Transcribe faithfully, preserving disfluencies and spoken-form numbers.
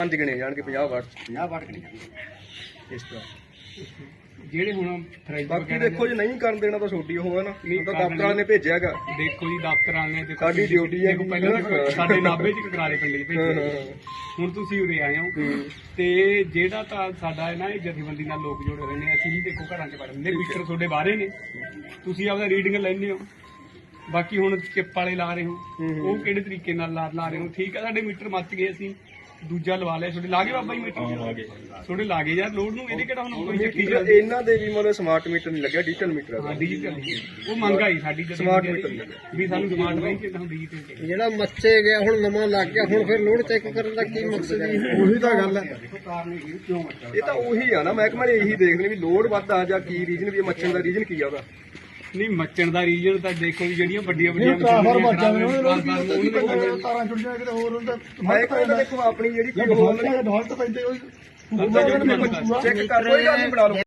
ਪੰਜ ਗਿਣੇ ਜਾਣਗੇ ਪੰਜਾਹ ਵਾਟ ਪੰਜਾਹ ਵਾਟ ਕਿੰਨੇ ਜਾਂਦੇ ਇਸ ਤਰ੍ਹਾਂ। ਜਿਹੜੇ ਹੁਣ ਫਰਿੱਜ ਬਾਕੀ ਦੇਖੋ ਜੇ ਨਹੀਂ ਕਰਨ ਦੇਣਾ ਤਾਂ ਛੋਟੀ ਉਹ ਹੈ ਨਾ, ਹੁਣ ਤਾਂ ਕਰਨ ਦਫ਼ਤਰ ਵਾਲੇ ਨੇ ਭੇਜਿਆ ਹੈਗਾ। ਦੇਖੋ ਜੀ ਦਫ਼ਤਰ ਵਾਲੇ ਨੇ ਦੇਖੋ ਸਾਡੀ ਡਿਊਟੀ ਹੈ ਦੇਖੋ ਪਹਿਲਾਂ ਸਾਡੇ ਨਾਭੇ ਚ ਕਰਾਰੇ ਪਿੰਡ ਚ ਭੇਜੇ, ਹੁਣ ਤੁਸੀਂ ਉਰੇ ਆਏ ਹੋ ਤੇ ਜਿਹੜਾ ਤਾਂ ਸਾਡਾ ਹੈ ਨਾ ਇਹ ਜਥੇਬੰਦੀ ਨਾਲ ਲੋਕ ਜੁੜੇ ਹੋਏ ਨੇ, ਅਸੀਂ ਵੀ ਦੇਖੋ ਘਰਾਂ ਚ ਪੜ੍ਹਦੇ ਨੇ, ਮੀਟਰ ਤੁਹਾਡੇ ਬਾਹਰੇ ਨੇ, ਤੁਸੀਂ ਆਪਦਾ ਰੀਡਿੰਗ ਲੈਂਦੇ ਹੋ। ਬਾਕੀ ਹੁਣ ਚਿੱਪ ਵਾਲੇ ਲਾ ਰਹੇ ਹੋ, ਉਹ ਕਿਹੜੇ ਤਰੀਕੇ ਨਾਲ ਲਾ ਲਾ ਰਹੇ ਹੋ, ਠੀਕ ਹੈ ਸਾਡੇ ਮੀਟਰ ਮੱਚ ਗਏ, ਅਸੀਂ ਦੂਜਾ ਲਵਾ ਲਿਆ। ਤੁਹਾਡੇ ਲਾ ਗਏ ਬਾਬਾ ਜੀ ਮੀਟਰ? ਤੁਹਾਡੇ ਲਾ ਗਏ ਯਾਰ, ਲੋਡ ਨੂੰ ਇਹਦੇ ਕਿਹੜਾ ਹੁਣ ਕੋਈ ਚੱਕੀ ਚੱਲਦੀ। ਇਹਨਾਂ ਦੇ ਵੀ ਮਤਲਬ ਸਮਾਰਟ ਮੀਟਰ ਨਹੀਂ ਲੱਗਿਆ, ਡਿਜੀਟਲ ਮੀਟਰ ਹਾਂ ਹੈ। ਡਿਜੀਟਲ ਉਹ ਮੰਗ ਆਈ ਸਾਡੀ ਜਦੋਂ ਸਮਾਰਟ ਮੀਟਰ ਵੀ ਸਾਨੂੰ ਸਮਾਰਟ ਨਹੀਂ ਚਾਹੀਦਾ, ਹੁਣ ਡਿਜੀਟਲ ਜਿਹੜਾ ਮੱਚੇ ਗਿਆ ਹੁਣ ਨਵਾਂ ਲੱਗ ਗਿਆ, ਹੁਣ ਫਿਰ ਲੋਡ ਚੈੱਕ ਕਰਨ ਦਾ ਕੀ ਮਕਸਦ ਹੈ? ਉਹੀ ਤਾਂ ਗੱਲ ਹੈ। ਇਹ ਤਾਂ ਉਹੀ ਆ ਨਾ, ਮਹਿਕਮਾ ਨੇ ਇਹੀ ਦੇਖਦੇ ਨੇ ਵੀ ਲੋਡ ਵੱਧ ਆ ਜਾਂ ਕੀ ਰੀਜਨ ਵੀ ਮੱਛਣ ਦਾ ਰੀਜਨ ਕੀ ਆ ਉਹਦਾ। ਨਹੀਂ ਮੱਚਣ ਦਾ ਰੀਜਨ ਤਾਂ ਦੇਖੋ ਜੀ ਜਿਹੜੀਆਂ ਵੱਡੀਆਂ ਵੱਡੀਆਂ ਤਾਰਾਂ ਜੁੜ ਮੈਂ ਕਹਿੰਦਾ ਦੇਖੋ ਆਪਣੀ ਜਿਹੜੀ ਕੋਈ ਹੋਰ ਡਾਲਟ ਪੈਂਦੇ ਚੈੱਕ ਕਰ ਕੋਈ ਗੱਲ ਨਹੀਂ ਬਣਾ ਲਓ।